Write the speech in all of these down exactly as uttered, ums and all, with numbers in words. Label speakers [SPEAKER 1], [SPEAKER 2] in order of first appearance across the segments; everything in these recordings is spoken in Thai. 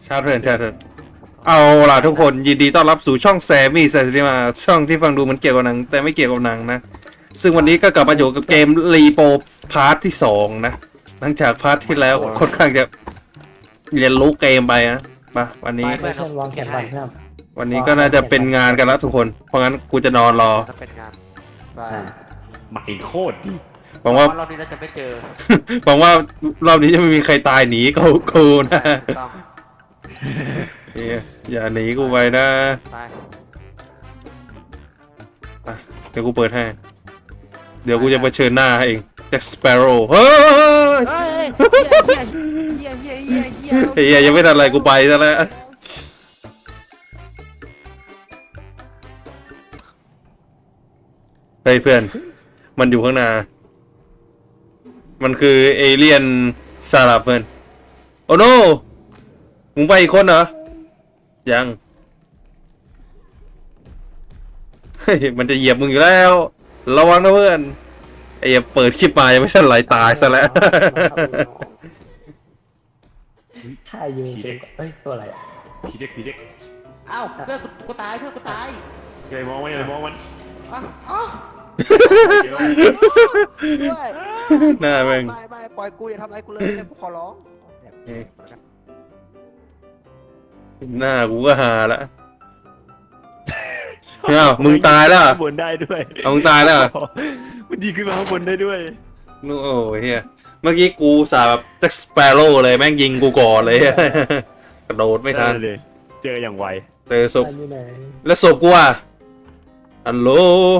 [SPEAKER 1] ชาเทิร์นชาเทิร์นเอาล่ะทุกคนยินดีต้อนรับสู่ช่องแซมมี่แซมมี่มาช่องที่ฟังดูเหมันเกี่ยวกับหนังแต่ไม่เกี่ยวกับหนังนะซึ่งวันนี้ก็กลับมาอยู่กับเกมรีโปพาร์ทที่สองนะหลังจากพาร์ทที่แล้วค่อนข้างจะเรียนรู้เกมไปนะมาวันนี้
[SPEAKER 2] เพื่อนวางแขนวันเพื่อน
[SPEAKER 1] วันนี้ก็น่าจะเป็นงานกันแล้วทุกคนเพราะงั้นกูจะนอนรอ
[SPEAKER 3] ถ้าเป็นงานไป
[SPEAKER 4] ใหม่โคตรดี
[SPEAKER 1] หวังว่า
[SPEAKER 3] รอบนี้เราจะไม่เจอ
[SPEAKER 1] หวังว่ารอบนี้จะไม่มีใครตายหนีกูกูนะ
[SPEAKER 3] ต้อง
[SPEAKER 1] เอ้ยอย่าหนีกูไปนะ
[SPEAKER 3] ไป
[SPEAKER 1] อ่ะเดี๋ยวกูเปิดให้ เดี๋ยวกูจะเผชิญหน้าเองแจ็คสเปโร่เฮ้ย
[SPEAKER 3] เฮ้ยเฮียเฮียเฮียเฮียเฮีย
[SPEAKER 1] เฮียยังไม่ทันอะไรกูไปซะแล้วเฮ้ยเพื่อนมันอยู่ข้างหน้ามันคือเอเลียนซาลาเพื่อนโอ้โนมึงไปอีกคนเหรอยังเฮ้ยมันจะเหยียบมึงอยู่แล้วระวังนะเพื่อนไอ้เหี้ยเปิดคลิปมายังไม่ทันไหลตายซะแล้ว
[SPEAKER 2] ถ้ายืนเอ้ยตัวอะไรอ่ะ
[SPEAKER 4] ผีเด็กผีเด็ก
[SPEAKER 3] เอ้าเพื่อนกูตายเพื่อนกูตาย
[SPEAKER 4] อย่าไปมองมันอย่าไปมองมัน
[SPEAKER 3] อ้าวอ้าวด้วย
[SPEAKER 1] หน้าแม่ง
[SPEAKER 3] ไม่ไม่ปล่อยกูอย่าทำอะไรกูเลยกูขอร้อง
[SPEAKER 1] หน้ากูก็หาละเอ้ามึงตายแล้วเหรอ
[SPEAKER 4] ข้างบนได้ด้วย
[SPEAKER 1] เอามึงตายแล้วเหรอ
[SPEAKER 4] มันดีขึ้นมาข้างบนได้ด้วย
[SPEAKER 1] นู่นโอ้ยเฮียเมื่อกี้กูสาแบบแจ็คสเปโร่เลยแม่งยิงกูก่อนเลย กระโดดไม่ทัน
[SPEAKER 4] เลย เจออย่างไว
[SPEAKER 1] เจอศพ
[SPEAKER 2] อยู่ไหน
[SPEAKER 1] แล้วศพกูอ่ะฮัลโหล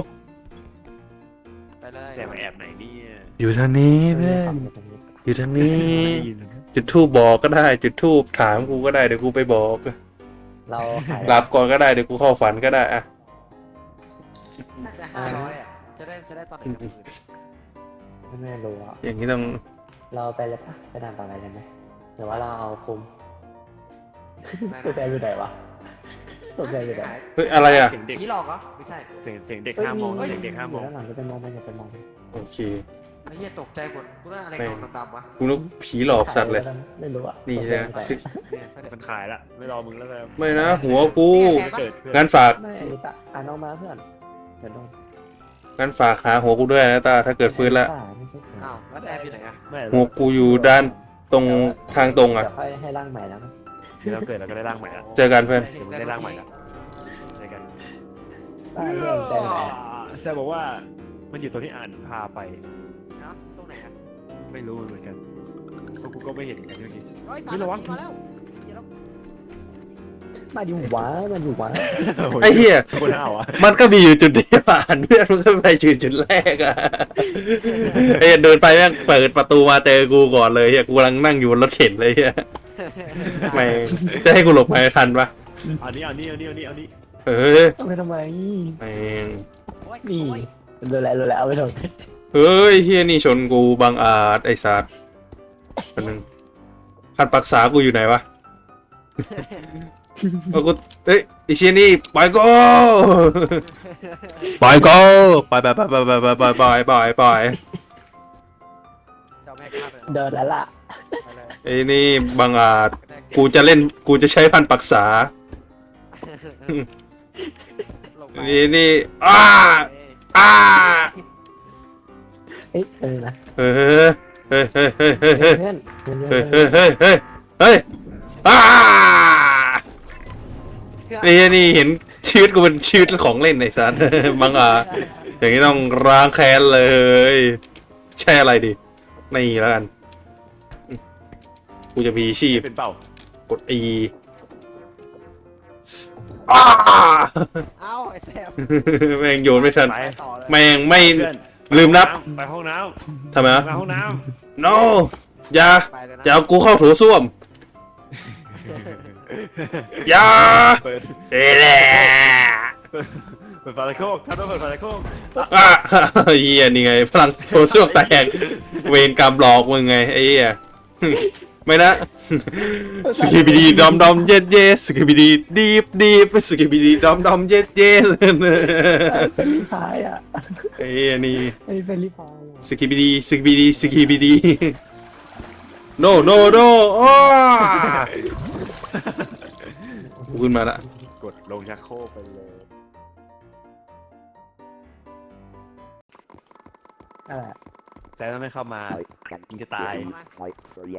[SPEAKER 3] ไปเลย
[SPEAKER 4] แซมมาแอบไหนเนี่ย
[SPEAKER 1] อยู่ทางนี้เพื่อนอยู่ทางนี้
[SPEAKER 4] ไม่ได้ยินเลย
[SPEAKER 1] จุดทูบบอกก็ได้จุดทูบถามกูก็ได้เดี๋ยวกูไปบอก
[SPEAKER 2] เราขาย
[SPEAKER 1] หลับก่อนก็ได้เดี๋ยวกูเข้าฝันก็ได้อะ
[SPEAKER 3] น่าจะห้าร้อยอ่ะจะได้จะได้ตอนไหนกับมือ
[SPEAKER 2] ไม่รู้อ่ะ
[SPEAKER 1] อย่างนี้ต้อง
[SPEAKER 2] เราไปเลยปะไปด่านต่อไปกันไหมหรือว่าเราเอาคุมตัวแทนอยู่ไหนวะตัวแทนอยู่ไหน
[SPEAKER 1] เฮ้ยอะไรอ่ะ
[SPEAKER 4] เสียงเด็ก
[SPEAKER 3] ผีหลอกเหรอไม่ใช่
[SPEAKER 4] เสียงเสียงเด็กห้ามมองเสียงเด็กห้ามมอง
[SPEAKER 2] ด้านหลังจะไปมองไปอย่าไปมอง
[SPEAKER 1] โอเค
[SPEAKER 3] ไอ้เหี้ยตกใจหมดกูน่าอะไรกองดำๆวะ
[SPEAKER 1] กูนึกผีหลอกสัตว์เลย
[SPEAKER 2] ไม่รู้อ่ะ
[SPEAKER 1] นี่ใช่ไหม
[SPEAKER 3] เนี่ย
[SPEAKER 4] มันขายละไม่รอมึงแล้วแล้ว
[SPEAKER 1] ไม่นะหัวกู
[SPEAKER 4] เกิดเพื่อน
[SPEAKER 1] งั้นฝาก
[SPEAKER 2] ไม่อันนี้ตะอ่านออกมาเพื่อนเดี๋ยวโดน
[SPEAKER 1] งั้นฝากหาหัวกูด้วยนะตาถ้าเกิดฟื้นละ
[SPEAKER 2] ไม่ใช่
[SPEAKER 3] อ้าวแล้วแซมอยู่ไหนอ่ะ
[SPEAKER 4] ไม่
[SPEAKER 1] หัวกูอยู่ด้านตรงทางตรงอ่ะ
[SPEAKER 2] เดี๋ยวค่อยให้ร่างใหม่แล้วนะ
[SPEAKER 4] เดี๋ยวเราเกิดเราก็ได้ร่างใหม่ละ
[SPEAKER 1] เจอกันเพื่อน
[SPEAKER 4] เดี๋ยวมึงได้ร่างใหม่ละเจอกัน
[SPEAKER 2] ได้เรื่องแต่ไหน
[SPEAKER 4] แซมบอกว่ามันอยู่ตรงที่อ่านพาไป
[SPEAKER 3] เนาะตรงไหนอ่ะ
[SPEAKER 4] ไม่รู้เหมือนกันเพราะกูก็ไม่เห็นกันเมื่อกี้
[SPEAKER 3] เฮ้ย
[SPEAKER 4] ไม่ระวัง
[SPEAKER 3] มาแล้วเดี๋ยวเรา
[SPEAKER 2] มาอยู่หวามาอยู่หวา
[SPEAKER 1] ไอ้เหี้ย
[SPEAKER 4] คนห้าวอ่ะ
[SPEAKER 1] มันก็มีอยู่จุดเดียวอ่านเพื่อนมันก็ไปจุดจุดแรกอ่ะไอ้เหี้ยเดินไปแม่งเปิดประตูมาเจอกูก่อนเลยเฮียกูกำลังนั่งอยู่บนรถเข็นเลยเฮียไม่จะให้กูหลบไปทันปะ
[SPEAKER 4] เอานี้เอานี้เอานี้เอานี้เอานี้
[SPEAKER 1] เฮ้ย
[SPEAKER 2] เอาไปทำไม
[SPEAKER 1] แม่ง
[SPEAKER 3] โอ้ย
[SPEAKER 2] นี่
[SPEAKER 3] โอ้ย
[SPEAKER 2] ดูแลดูแลเอาไปทำไม
[SPEAKER 1] เฮ้ยเฮียนี่ชนกูบังอาจไอ้สัตว์คนหนึ่งคันปรักษากูอยู่ไหนวะเอากูเอ้ยไอ้เชี่ยนี่ไปก็ไปก็ไปไปไปไปไปไปไปไปไปไป
[SPEAKER 3] เจ้าแม่ข้าไป
[SPEAKER 2] เดินแล้วล่ะ
[SPEAKER 3] ไปเลย
[SPEAKER 1] ไอ้นี่บังอาจกูจะเล่นกูจะใช้พันปรักษา
[SPEAKER 3] ลงไป
[SPEAKER 1] ไอ้นี่อ้าอ้า
[SPEAKER 2] เอ้ยเออนะ
[SPEAKER 1] เฮ้ยเฮ้ยเฮ้ยเฮ้ยเฮ้ยเฮ้ย
[SPEAKER 2] เพื่อนเพื่อน
[SPEAKER 1] เฮ้
[SPEAKER 2] เพื่
[SPEAKER 1] ย
[SPEAKER 2] อน
[SPEAKER 1] เฮ้ยเฮ้ยเฮ้ยเฮ้ยอ้านี่นี่เห็นชีวิตกูเป็นชีวิตของเล่นไอ้สัสบังอาจอย่างนี้ต้องร้างแค้นเลยใช่อะไรดินี่แล้วกันกูจะมีชีพ
[SPEAKER 4] เป็นเป่าก
[SPEAKER 1] ด E อ้า
[SPEAKER 3] เอ้าไอ้แซม
[SPEAKER 1] แม่งโยนไม่ทัน
[SPEAKER 4] ไป
[SPEAKER 3] ไปต่อเลย
[SPEAKER 1] แม่งไม่
[SPEAKER 4] เพื่อน
[SPEAKER 1] ลืมนับ
[SPEAKER 4] ไปห้องน้
[SPEAKER 1] ทำไม
[SPEAKER 4] ำ
[SPEAKER 1] วะ
[SPEAKER 4] ไปห้องน้
[SPEAKER 1] no อย่า
[SPEAKER 3] ไปเลยนะ
[SPEAKER 1] จะเอากูเข้าโถูส้วม
[SPEAKER 4] ำ
[SPEAKER 1] อย่า
[SPEAKER 4] เปิด
[SPEAKER 1] เอ้ยแหละ
[SPEAKER 4] เปิดฝาตะโคกท่านต้องเปิดฝาตะโคก
[SPEAKER 1] อ่ะเฮียนี่ไงพลังโถส้วมแตกเวรกรรมหลอกมึงไงไอ้เหี้ยไม่นะสกิบิดีดอมดอมเย็ดเย็ดสกิบิดีดีบดีบสกิบิดีดอมดอมเย็ดเย็ด
[SPEAKER 2] เป็นรีพายอ่ะ
[SPEAKER 1] ไอ้เหี้ยนี่
[SPEAKER 2] ไอ้เป็นรีพายอ่ะ
[SPEAKER 1] สกิบิดีสกิบิดีสกิบิดี no no no อ้ากูขึ้นมาละ
[SPEAKER 4] กดลงชักโครกไปเลย
[SPEAKER 2] อะไร
[SPEAKER 4] แซมไม่เข้ามายิงจะตาย
[SPEAKER 3] เฮ้ย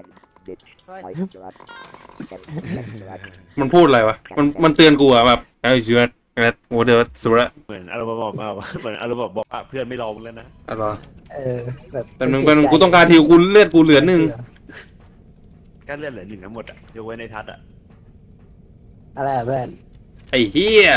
[SPEAKER 1] มันพูดอะไรวะมันมันเตือนกูอะแบบไอ้เจือดโอ้เดี๋ยวสุดละ
[SPEAKER 4] เหมือนอารมณ์บอกมาว่าเหมือนอารมณ์บอกว่าเพื่อนไม่รอมึงแล้วนะ
[SPEAKER 1] อะไรวะ
[SPEAKER 2] เออแบบ
[SPEAKER 1] แป๊บนึงแป๊บนึงกูต้องการทิวกูเลือดกูเหลือหนึ่ง
[SPEAKER 4] ก็เลื่อนเหลือหนึ่งทั้งหมดอ่ะยกเว้นในทัศน์อ่ะ
[SPEAKER 2] อะไรอะเพื่อน
[SPEAKER 1] ไอ้เฮีย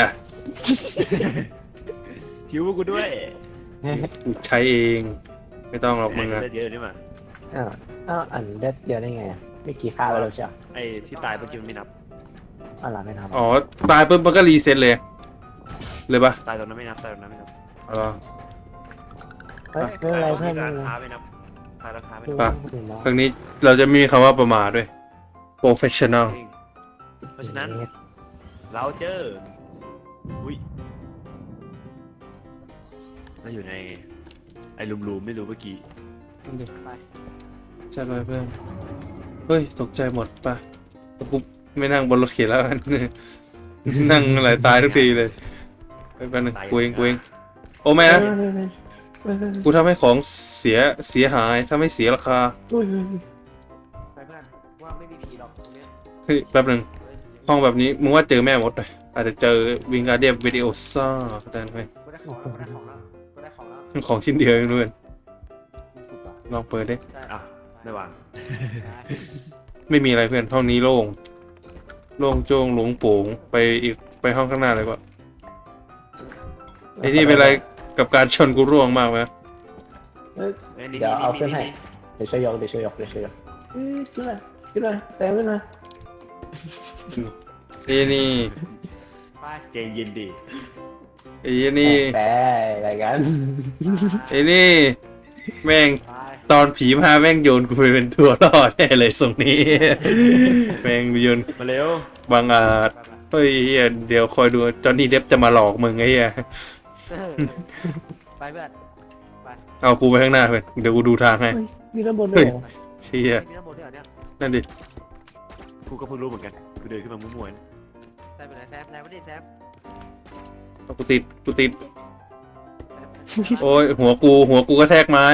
[SPEAKER 4] หิวกูด้วย
[SPEAKER 1] กูใช้เอง ไม่ต้องหรอกมึงอะ
[SPEAKER 4] เลือดเยอะนี่มา
[SPEAKER 2] อ้าวอ้าวอันเด็ดเดียวได้ไงอะไม่กี่ค่าไปแล้วใช่ไหม
[SPEAKER 4] ไอ้ที่ตายเมื่อกี้มันไม่นับ
[SPEAKER 2] อ๋อเหรอไม่ทำ
[SPEAKER 1] อ๋อตายปุ๊บมันก็รีเซ็ตเลย เลยปะ
[SPEAKER 4] ตายตอนนั้นไม่นับตายตอนนั้นไม่นับ
[SPEAKER 1] อ๋อ
[SPEAKER 2] เฮ้ยไม่เป็นไรเพื่อน
[SPEAKER 4] ตาย
[SPEAKER 2] ไม่
[SPEAKER 4] รา
[SPEAKER 2] เป็นไร
[SPEAKER 4] คาไม่นับตายราคาไม่
[SPEAKER 2] ดู
[SPEAKER 4] นับ
[SPEAKER 2] ว่าคนอื่นเนาะ
[SPEAKER 1] ครั้งนี้เราจะมีคำว่าประมาทด้วย professional
[SPEAKER 4] จริงเพราะฉะนั้นเราเจออุ้ยเราอยู่ในไอ้ลุมๆไม่รู้เมื่อกี้
[SPEAKER 3] ไป
[SPEAKER 1] ใช่เลยเพื่อน เฮ้ย ตกใจหมดปะกูไม่นั่งบนรถเข็นแล้วกัน นั่งอะไรตายทุกทีเลยไปแป๊บนึงกูเองกูเองโอ้แม่นะ กูทำให้ของเสียเสียหายทำให้เสียราคา
[SPEAKER 3] ไปเพื่อนว่าไม่มีผีหรอกตรงเนี้ย
[SPEAKER 1] เฮ้ยแป๊บนึง
[SPEAKER 3] เฮ้ย
[SPEAKER 1] ห้องแบบนี้มึงว่าเจอแม่มดไหมอาจจะเจอวิงการเดียมวิดีโอซ่าก็ได้ไหม
[SPEAKER 3] กูได้ของแล้วกูได้ของแล้วกูได้ของแล้ว
[SPEAKER 1] ของชิ้นเดียวเองเพื่อนลองเปิดดิ
[SPEAKER 3] ใช่
[SPEAKER 4] อ่ะไม่วาง
[SPEAKER 1] ไม่มีอะไรเพื่อนห้องนี้โล่งโล่งโจ้งหลงโป่งไปอีกไปห้องข้างหน้าเลยว่ะไอ้นี่เป็นอะไรกับการชนกูร่วงมากไหม
[SPEAKER 4] เอ้ยนี่
[SPEAKER 2] เดี๋ยวเอา
[SPEAKER 4] นี่
[SPEAKER 2] ขึ้นให้
[SPEAKER 4] นี่
[SPEAKER 2] เดี๋ยวช่วยยกเดี๋ยวช่วยยกเดี๋ยวช่วยยกเอ้ยขึ้นมาขึ้นมาเต็มขึ้นมา
[SPEAKER 1] ไอ้นี่
[SPEAKER 3] ไป
[SPEAKER 4] ใจเย็นดี
[SPEAKER 1] ไอ้นี่
[SPEAKER 2] แต่อะไรกัน
[SPEAKER 1] ไอ้นี่แม่ง
[SPEAKER 3] ไป
[SPEAKER 1] ตอนผีมาแม่งโยนกูไปเป็นตัวรอดแน่เลยตรงนี้ แม่งโยน
[SPEAKER 4] มาเร็ว
[SPEAKER 1] บางอาจ
[SPEAKER 3] ไปไป
[SPEAKER 1] เฮ้ยเหี้ยเดี๋ยวคอยดูจอห์นนี่เดฟจะมาหลอกมึงไอ้เหี้ย
[SPEAKER 3] เออไปเพื่อน
[SPEAKER 1] เอากูไปข้างหน้าเพื่อนเดี๋ยวกูดูทางให้
[SPEAKER 2] เฮ้ยมีด้านบนด้วยเหรอ
[SPEAKER 1] เชี่ย
[SPEAKER 3] มีน้ำมนต์ด้วยเหรอเนี่ย
[SPEAKER 1] นั่นดิ
[SPEAKER 4] กูก็เพิ่งรู้เหมือนกันกูเดินขึ้นมามั่วๆนะ
[SPEAKER 3] แซมไปไหนแซมแซมไม่ได้แซม
[SPEAKER 1] เอากูติดกูติด
[SPEAKER 3] แซม
[SPEAKER 1] โอ้ยหัวกูหัวกูก็แทกไม้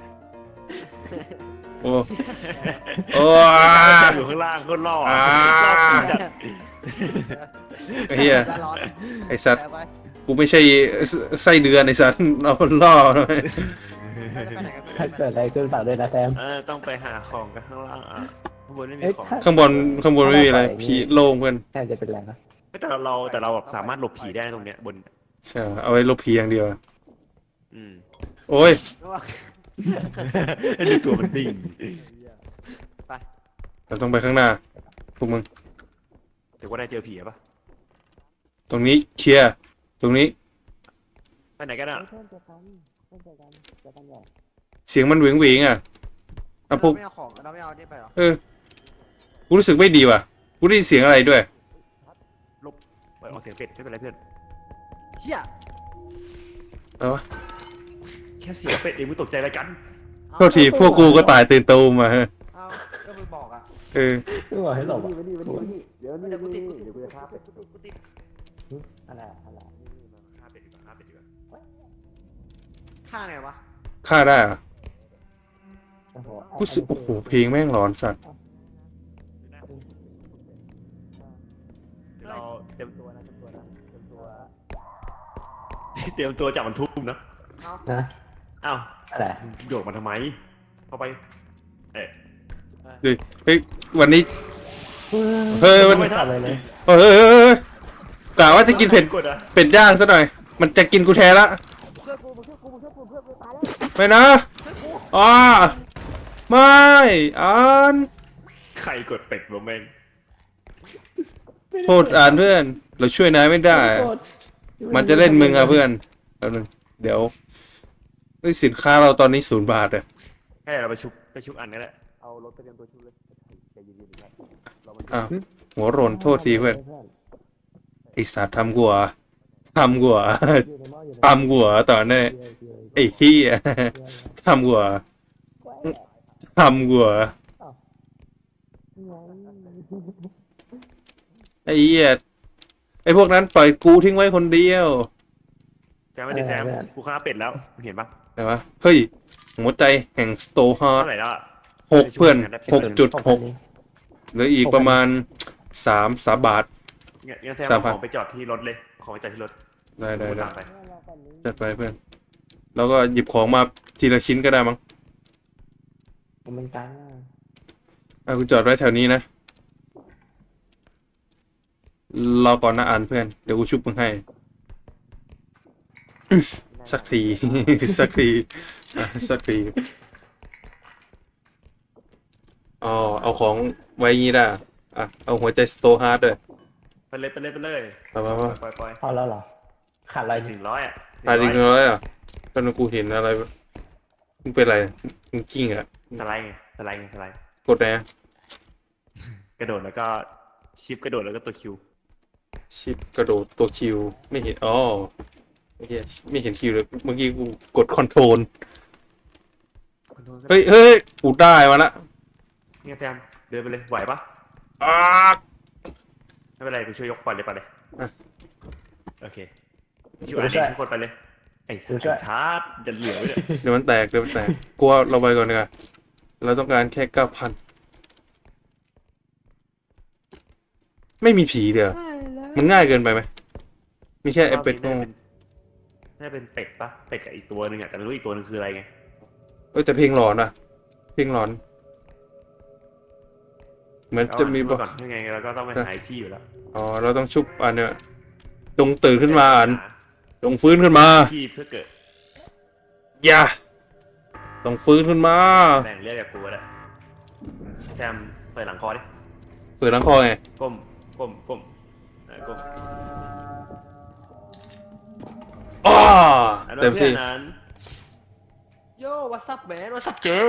[SPEAKER 1] โอ้โอ้
[SPEAKER 4] อยู่ข้างล่างก็ล่อ
[SPEAKER 1] อ่า
[SPEAKER 4] ล่อผีจัด
[SPEAKER 1] ไอ้เหี้ย
[SPEAKER 3] ร้อน
[SPEAKER 1] ไอ้สัตว์
[SPEAKER 3] แซมไป
[SPEAKER 1] กูไม่ใช่ไส้เดือนไอ้สัตว์เอาล่อหน่อย
[SPEAKER 3] เราจะไปไหนกัน
[SPEAKER 2] ถ้า
[SPEAKER 3] เพื่อน
[SPEAKER 2] เกิดอะไรขึ้นฝากด้วยนะแซม
[SPEAKER 4] เออต้องไปหาของกันข้างล่างอ่ะข้างบนไม่มี
[SPEAKER 2] เอ้ย
[SPEAKER 4] ของ
[SPEAKER 2] ถ้า
[SPEAKER 1] ข้างบนข้างบนไม่มีอะไรผีโล่งเพื่อน
[SPEAKER 2] แซมจะเป็นอะไรนะ
[SPEAKER 4] แต่เราเราแต่เราแบบสามารถหลบผีได้ตรงเนี้ยบน
[SPEAKER 1] ใช่เอาไว้ลบผีอย่างเดียว
[SPEAKER 4] อืม
[SPEAKER 1] โอ้ย
[SPEAKER 4] ดูตัวมันดิ่ง
[SPEAKER 1] เราต้องไปข้างหน้าพวกมึง
[SPEAKER 4] แต่ว่าได้เจอผีอะปะ
[SPEAKER 1] ตรงนี้เคลียร์ตรงนี้
[SPEAKER 4] ไปไหนกันอ่ะ
[SPEAKER 1] เสียงมันเหวงเหวงๆอ่ะอ่ะพวก
[SPEAKER 3] เราไม่เอาของเราไม่เอาเนี่ยไปหรอ
[SPEAKER 1] เออกูรู้สึกไม่ดีว่ะกูได้ยินเสียงอะไรด้วย
[SPEAKER 4] ไปออกเสียงเป็ดไม่เป็นไรเพื่อน
[SPEAKER 3] เฮีย
[SPEAKER 1] แล้ววะ
[SPEAKER 4] แค่เสียงเป็ดเองมึงตกใจอะไรกัน
[SPEAKER 1] โทษทีพวกกูก็ตายตื่นตูมมาฮะ
[SPEAKER 3] เอาก็มึงบอกอ่ะ
[SPEAKER 1] เออ
[SPEAKER 2] ไม่บอกให้หลบอ่ะ
[SPEAKER 3] เดี๋ยวกูติดกูติดกูติดกูติด
[SPEAKER 2] อะไรอะไร
[SPEAKER 4] ฆ่าเป็ดดีกว่าฆ่าเป็ดดีกว่า
[SPEAKER 3] ฆ่าไงวะ
[SPEAKER 1] ฆ่าได้เหรอะ
[SPEAKER 2] โอ้โห
[SPEAKER 1] กูรู้สึกโอ้โหเพลงแม่งหลอนสัตว์
[SPEAKER 4] เดี๋ยวเราเตรียมตัวนะเตรียมตัวนะเตรียมตัวเตรียมตัวจับมันทุ่มนะ
[SPEAKER 3] เอา
[SPEAKER 2] นะ
[SPEAKER 4] อ้าว
[SPEAKER 2] อะไร
[SPEAKER 4] โยกมันทำไม เข้าไป เอ๊ะ
[SPEAKER 1] เฮ้ยวันนี้ เฮ้ยมัน
[SPEAKER 2] ไม่ทำอะไรเลย
[SPEAKER 1] เฮ้ยเฮ้ยเฮ้ยเฮ้ยกะว่าจะกินเผ็ด
[SPEAKER 4] กดอ่ะ
[SPEAKER 1] เป็ดย่างซะหน่อย มันจะกินกูแทนละ
[SPEAKER 3] เพื่อนกูมึงเพื่อนกูมึงเพื่อนกูเพื่อนกูตายแล้ว
[SPEAKER 1] ไม่นะอ่าไม่อ่าน
[SPEAKER 4] ใครกดเป็ดวะแม่ง
[SPEAKER 1] โทษอ่านเพื่อน เราช่วยนายไม่ได้ มันจะเล่นมึงอะเพื่อนแป๊บนึงเดี๋ยวเฮ้ยสินค้าเราตอนนี้ศูนย์บาทอะ
[SPEAKER 4] ให้เราไปชุบไปชุบอันนี้แหละเอารถไปเตรียมตัวชุบเลยใจเย็นๆครับเรามัน
[SPEAKER 1] อ้าวหัวโรนโทษทีเพื่อนไอสัตว์ทำกูเหรอทำกูเหรอทำกูเหรอตอนนี้ไอ้เหี้ยทำกูเหรอทำกูเหรออ้เหี้ยไอ้พวกนั้นปล่อยกูทิ้งไว้คนเดียว
[SPEAKER 4] แซมไม่ได้แซมกูฆ่าเป็ดแล้วมึงเห็นปะ
[SPEAKER 1] ไหนวะเฮ้ยหัวใจแห่งสโตฮาร์
[SPEAKER 4] เท่าไหร่แล้วอะ
[SPEAKER 1] หกเพื่อนหกจุดหก
[SPEAKER 2] นี้
[SPEAKER 1] เหลืออีกประมาณสามสามบาท
[SPEAKER 4] งั้นงั้นแซม
[SPEAKER 1] สาม
[SPEAKER 4] เอา
[SPEAKER 1] พัน
[SPEAKER 4] ของไปจอดที่รถเลยเอาของไปจอดที่รถ
[SPEAKER 1] ได้ได้
[SPEAKER 4] กู
[SPEAKER 1] ได้
[SPEAKER 4] ตามไป
[SPEAKER 1] จัดไปเพื่อนแล้วก็หยิบของมาทีละชิ้นก็ได้มั้ง
[SPEAKER 2] มันกลาง
[SPEAKER 1] เอากูจอดไว้แถวนี้นะรอก่อนนะอ่านเพื่อนเดี๋ยวกูชุบมึงให้ สักที สักทีอ่ะสักทีอ๋อเอาของไว้งี้ได้อ่ะเอาหัวใจสโตฮาร์ดด้วย
[SPEAKER 4] ไปเลยไปเลยไปเลย
[SPEAKER 1] ไปไปไป
[SPEAKER 4] ปล่อยปล่อย
[SPEAKER 2] พอแล้วเหรอขาดอะไร
[SPEAKER 4] ห
[SPEAKER 2] นี่
[SPEAKER 4] นึ่งร้อยอ่ะ
[SPEAKER 1] ตายอีกน้อยอ่ะตอนนั้นกูเห็นอะไรมึงเป็นอะไรมึงกิ้งอ่ะ
[SPEAKER 4] สไลด์ไงสไลด์ไงสไลด์
[SPEAKER 1] กดไหนอะ
[SPEAKER 4] กระโดดแล้วก็ชิปกระโดดแล้วก็ตัวคิว
[SPEAKER 1] ชิปกระโดดตัวคิวไม่เห็นอ๋อไม่เห็นไม่เห็นคิวเลยเมื่อกี้กูกดคอนโทรลเฮ้ยเฮ้ยกูได้มาละ
[SPEAKER 4] เนี่ยแซมเดินไปเลยไหวปะ
[SPEAKER 1] อ้า
[SPEAKER 4] ไม่เป็นไรกูช่วยยกปล่อยเลยปล่อยเลย
[SPEAKER 1] อ่ะ
[SPEAKER 4] โอเคช่วยอันนี้ทุกคนไปเลยไอ้ทาร์ดจะเหลือไว้เลย
[SPEAKER 1] เดี๋ยวมันแตกเดี๋ยวมันแตกกลัวเราไปก่อนดีกว่าเราต้องการแค่เก้าพันไม่มีผีเดี๋ยวมันง่ายเกินไปไหมมีแค่ไอเป็ดโง่
[SPEAKER 4] น่าจะเป็นเป็ดปะเป็ดกับอีกตัวหนึ่งอ่ะแต่ไม่รู้อีกตัวหนึงคืออะไรไง
[SPEAKER 1] เอ้ยแต่เพลงหลอนอะเพลงหลอนเหมือนจะมี
[SPEAKER 4] บบ อ
[SPEAKER 1] อก ก
[SPEAKER 4] ก่อนยังไงเราก็ต้องไปหาที่อยู่แล้ว
[SPEAKER 1] อ๋อเราต้องชุบอันเนี้ยจงตื่นขึ้นมาอันจงฟื้นขึ้นมา
[SPEAKER 4] ที่เพื่อเกิด
[SPEAKER 1] อย่าต้องฟื้นขึ้นมา
[SPEAKER 4] แบ่งเลือดกับกูแล้วแซมเปิดหลังคอดิ
[SPEAKER 1] เปิดหลังคอไง
[SPEAKER 4] ก้มก้มก้มเออก้ม
[SPEAKER 1] อ้า
[SPEAKER 4] อัน
[SPEAKER 1] เต็
[SPEAKER 4] นั้น
[SPEAKER 1] ม
[SPEAKER 4] เพื่อ
[SPEAKER 1] ที่
[SPEAKER 4] นนั้น
[SPEAKER 3] โย่วัสับแมนวัสับเจอ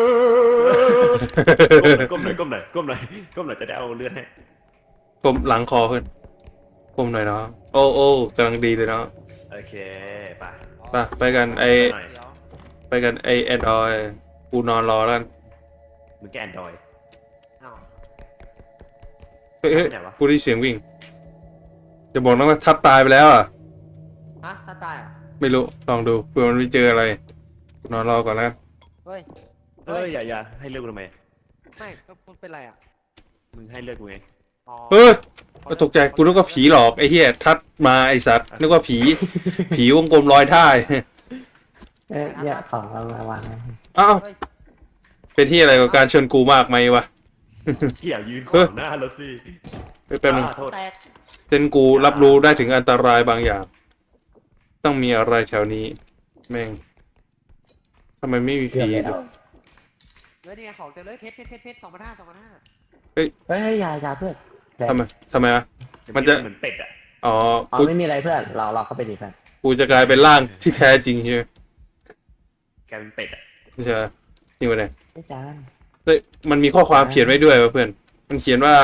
[SPEAKER 4] ก้มหน่อยก้มหน่อยก้มหน่อยก้มหน่อยจะได้เอาเลือดให้
[SPEAKER 1] กลมหลังคอขึ้นกลมหน่อยเนาะโอ้โอ้กำลังดีเลยเนาะ
[SPEAKER 4] โอเคไป
[SPEAKER 1] ไปไปกันไอ
[SPEAKER 4] หน่อย
[SPEAKER 3] เดี๋ยว
[SPEAKER 1] ไปกันไอแอนดรอยกูนอนรอแล้วกัน
[SPEAKER 4] มึงแกแอนดรอย
[SPEAKER 3] อ้าว
[SPEAKER 1] เฮ้ยเฮ้ย
[SPEAKER 4] ไหนวะ
[SPEAKER 1] กูได้ยินเสียงวิ่งจะบอกนะว่าทับตายไปแล้วอ่ะ
[SPEAKER 3] ฮะถ้าตายอ่ะ
[SPEAKER 1] ไม่รู้ลองดูเผื่อมันไม่เจออะไรกูนอนรอก่อนแล้วกัน
[SPEAKER 3] เฮ้ย
[SPEAKER 4] เอ้ยอย่าอย่าให้เลือดกูทำไม
[SPEAKER 3] ไม่ก็มันเป็นไรอ่ะ
[SPEAKER 4] มึงให้เลือดกูไง
[SPEAKER 3] อ๋อ
[SPEAKER 1] เฮ้ยก็ตกใจกูนึกว่าผีหลอกไอ้เหี้ยทัดมาไอ้สัตว์นึกว่าผี ผีวงกลมลอยท่าย
[SPEAKER 2] เอ๊ะเนี่ยของเรามาวางไว้
[SPEAKER 1] อ้าวเป็นที่อะไรกับการชวนกูมากไหมวะ
[SPEAKER 4] เกี่ยวยืนขวางหน้ารถสิ
[SPEAKER 1] เฮ้ยแป๊บนึง
[SPEAKER 4] อ่าโทษ
[SPEAKER 3] แตก
[SPEAKER 1] เซนกูรับรู้ได้ถึงอันตรายบางอย่าง ต้องมีอะไรแถวนี้ แม่งทำไมไม่มี
[SPEAKER 2] เกือบ
[SPEAKER 1] ผี
[SPEAKER 2] แล้ว
[SPEAKER 1] ด้วย
[SPEAKER 3] เฮ้ยนี่ไงของเต็มเลยเพชรเพชรเพชรเพชรสองพันห้าสองพันห้า
[SPEAKER 2] เฮ้ยเฮ้ยยายาเพื่อนแต่
[SPEAKER 1] ทำไมทำไมอ่ะ มันจะ
[SPEAKER 4] เหมือนเป็ดอ่ะ
[SPEAKER 1] อ๋อ
[SPEAKER 2] อ๋อ
[SPEAKER 1] กู
[SPEAKER 2] ไม่มีอะไรเพื่อนเราเราเข้าไปดีเพื่อน
[SPEAKER 1] กูจะกลายเป็นร่างที่แท้จริงใช่ไหม
[SPEAKER 4] กลายเป็นเป็ดอ่ะ
[SPEAKER 1] ไม่ใช่จริงปะเนี่ย
[SPEAKER 2] ไม่จาน
[SPEAKER 1] เฮ้ยมันมีข้อความเขียนไว้ด้วยวะเพื่อน มันเขียนว่า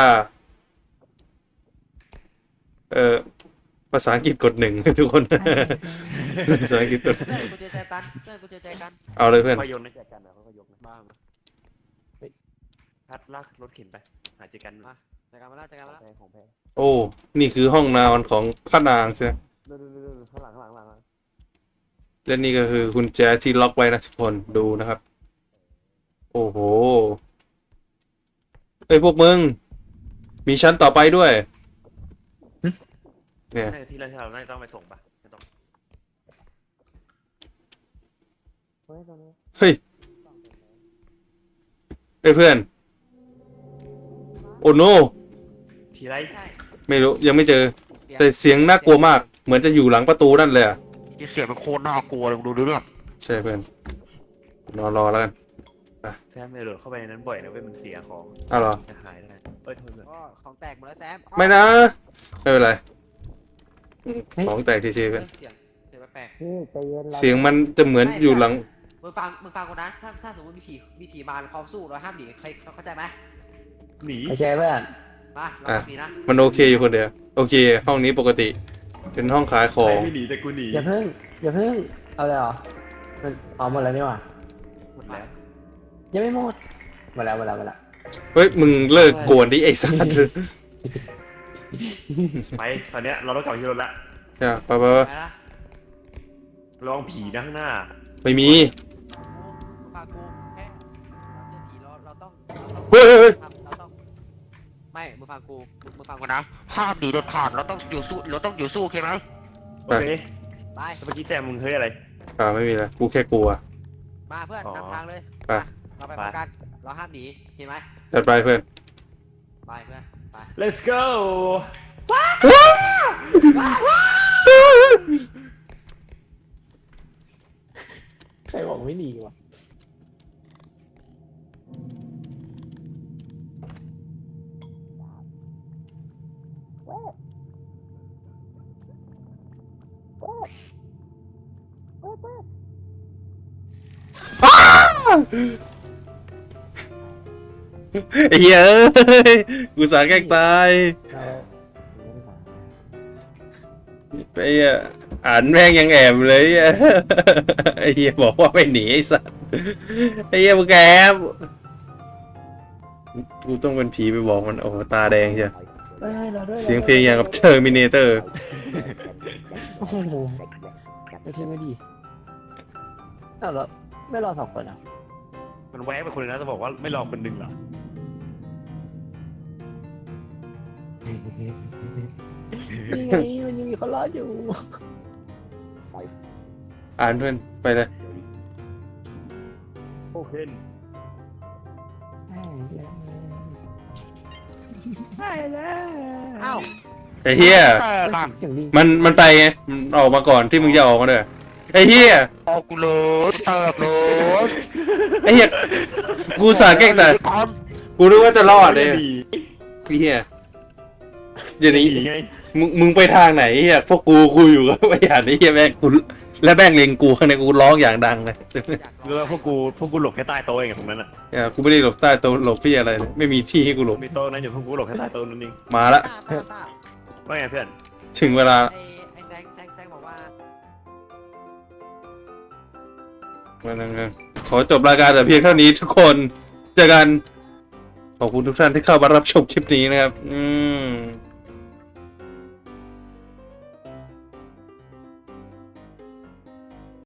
[SPEAKER 1] เออภาษาอังกฤษกดหนึ่ง ทุกคน ภาษาอังกฤษกด
[SPEAKER 3] เพื่อนกูเจอใจกันเพื่อนกูเจอใจกัน
[SPEAKER 1] เอาเลยเพื่อน
[SPEAKER 4] ค่อยโยนนะแจกกันนะค่อยๆยกนะบ้ามาพัดลากรถเข็นไปหาเจอกัน
[SPEAKER 3] มาใจกันมาแล้วใจกันมาแล้ว
[SPEAKER 4] แพงของแพง
[SPEAKER 1] โอ้ นี่คือห้องนอนของพระนางใช่ไหม
[SPEAKER 4] เรื่อยๆข้างหลังข้างหลังข้างหลัง
[SPEAKER 1] และนี่ก็คือกุญแจที่ล็อกไว้นะทุกคนดูนะครับ โอ้โหเอ้ยพวกมึง มีชั้นต่อไปด้วย เนี่ย
[SPEAKER 4] น่าจะที่เราที่เราน่าจะต้องไปส่งปะไม่ต้อง
[SPEAKER 2] เฮ้ยตรงนี้
[SPEAKER 1] เฮ้ยเอ้ยเพื่อน โอ้โน
[SPEAKER 4] ทีไร
[SPEAKER 3] ใช่
[SPEAKER 1] ไม่รู้ยังไม่เจอ แต่เสียงน่ากลัวมาก เหมือนจะอยู่หลังประตูนั่นเลยอะ
[SPEAKER 3] เสียงมันโคตรน่ากลัวเลยดูเรื่อง
[SPEAKER 1] ใช่เพื่อนนอนรอแล้วกัน
[SPEAKER 4] แซมไม่โดดเข้าไปในนั้นบ่อยนะเว้ยมันเสียของ
[SPEAKER 1] อ้าวเหรอ
[SPEAKER 4] จะหายได้เอ้ยโทษเลย
[SPEAKER 3] ก็ของแตกหมดแล้วแซม
[SPEAKER 1] ไม่นะ ไม่เป็นไร ของแตกทีๆ
[SPEAKER 3] เฮ้
[SPEAKER 1] เพื่อย น
[SPEAKER 3] เสียงเสียงแปลก
[SPEAKER 2] นี่ใจเย็นรา
[SPEAKER 1] เสียงมันจะเหมือนอยู่หลัง
[SPEAKER 3] ๆมึงฟังมึงฟังกูนะถ้าถ้าสมมติมีผีมีผีมาเราสู้เราห้ามหนีใครเข้าใจไหม
[SPEAKER 4] หนี
[SPEAKER 2] โอเคเพื่อน
[SPEAKER 3] มาเรา
[SPEAKER 1] อ่ะ
[SPEAKER 3] ผีนะ
[SPEAKER 1] มันโอเคอยู่คนเดียว โอเค ห้องนี้ปกติ เป็นห้องขายข
[SPEAKER 4] ใค
[SPEAKER 1] อ
[SPEAKER 4] รง ไม่หนีแต่กูหนี
[SPEAKER 2] อย่าเพิ่งอย่าเพิ่งเอาเลยเหรอมันเอาหมดแล้วนี่หว่า
[SPEAKER 4] หมดแล้ว
[SPEAKER 2] ยังไม่หมดหมดแล้วหมดแล้วหมดแล้ว
[SPEAKER 1] เฮ้ย มึงเลิกกวนดิไอ้สัตว์
[SPEAKER 4] ไปตอนเนี้ยเราต้องกลับไปที่รถละ
[SPEAKER 1] อย่าไปไปไป
[SPEAKER 3] ไปนะ
[SPEAKER 4] ระวังผีนะข้างหน้า
[SPEAKER 1] ไม่มี
[SPEAKER 3] กูฟังกูแค่เราเจอผีเราเราต้อง
[SPEAKER 1] เฮ้ยเฮ้ยเฮ้ย
[SPEAKER 3] เราต้องไม่มึงฟังกูมึงฟังกูนะห้ามหนีเด็ดขาดเราต้องอยู่สู้เราต้องอยู่สู้โอเคไหม
[SPEAKER 4] โอเค
[SPEAKER 3] ไป
[SPEAKER 4] เมื่อกี้แซมมึงเฮ้ยอะไร
[SPEAKER 1] อ่าไม่มีแล้วกูแค่กลัว
[SPEAKER 3] มาเพื่อน
[SPEAKER 4] อ๋อ
[SPEAKER 3] นำทางเลย
[SPEAKER 1] ไป
[SPEAKER 3] เราไปพร้อมกันเราห้ามหนีเห็นไหม
[SPEAKER 1] จัดไปเพื่อน
[SPEAKER 3] ไปเพื่อนไป
[SPEAKER 4] let's go
[SPEAKER 2] ใครบอกไม่หนีวะ
[SPEAKER 1] ไอ้เหี้ยเอ้ยกูสาแกล้งตาย
[SPEAKER 2] เรา
[SPEAKER 1] ไอ้เหี้ยอ่านแม่งยังแอบเลยไอ้เหี้ยไอ้เหี้ยบอกว่าไม่หนีไอ้สัสไอ้เหี้ยมึงแอบกูต้องเป็นผีไปบอกมันโอ้โหตาแดงใช่
[SPEAKER 2] เฮ้ยเราด้วย
[SPEAKER 1] เสียงเพลงอย่างกับเทอร์มินเตอร์
[SPEAKER 2] โอ้โหไม่ใช่ไม่ดีอ้าวแล้วไม่รอสองคนอ่ะ
[SPEAKER 4] มันแวะไปคนนึงนะจะบอกว่าไม่รอคนหนึ่งเหรอ
[SPEAKER 2] นี่ไงมันยังมีคนรออยู่
[SPEAKER 1] อ่านเพื่อนไปเลย
[SPEAKER 4] โอเค
[SPEAKER 2] ใช่แล้ว
[SPEAKER 3] อ้าว
[SPEAKER 1] ไอ้เหี้ย
[SPEAKER 3] แตกอ่ะ
[SPEAKER 2] อย่างนี้
[SPEAKER 1] มันมันไปไงมันออกมาก่อนที่มึงจะออกมาเด้อไอ้เหี้ย
[SPEAKER 3] ออกกูเลยแตกเลย
[SPEAKER 1] ไอ้เหี้ยกูสาแกล้งตายกูรู้ว่าจะรอดเลย
[SPEAKER 4] ดี
[SPEAKER 1] ไอ้เหี้ยเดี๋ยวนี้
[SPEAKER 4] ดีไง
[SPEAKER 1] มึงมึงไปทางไหนไอ้เหี้ยพวกกูกูอยู่ก็ไม่อยากไอ้เหี้ยแม่งกูและแม่งเล็งกูข้างในกูร้องอย่างดังเลย
[SPEAKER 4] คือว่าพวกกูพวกกูหลบแค่ใต้โต๊ะเองอะตรงนั้นอะ
[SPEAKER 1] เนี่ยกูไม่ได้หลบใต้โต๊ะหลบพี่อะไรเลยไม่มีที่ให้กูหลบ
[SPEAKER 4] มีโต๊ะนั้นอยู่พวกกูหลบแค่ใต้โต๊ะนั่นเอง
[SPEAKER 1] มาละ
[SPEAKER 3] ตาตาตา
[SPEAKER 4] ว่าไงเพื่อน
[SPEAKER 1] ถึงเวลา
[SPEAKER 3] ไอ้ไอ้แซงแซงแซงบอกว่า
[SPEAKER 1] วันนั้นไงขอจบรายการแต่เพียงเท่านี้ทุกคนเจอกันขอบคุณทุกท่านที่เข้ามารับชมคลิปนี้นะครับ อืม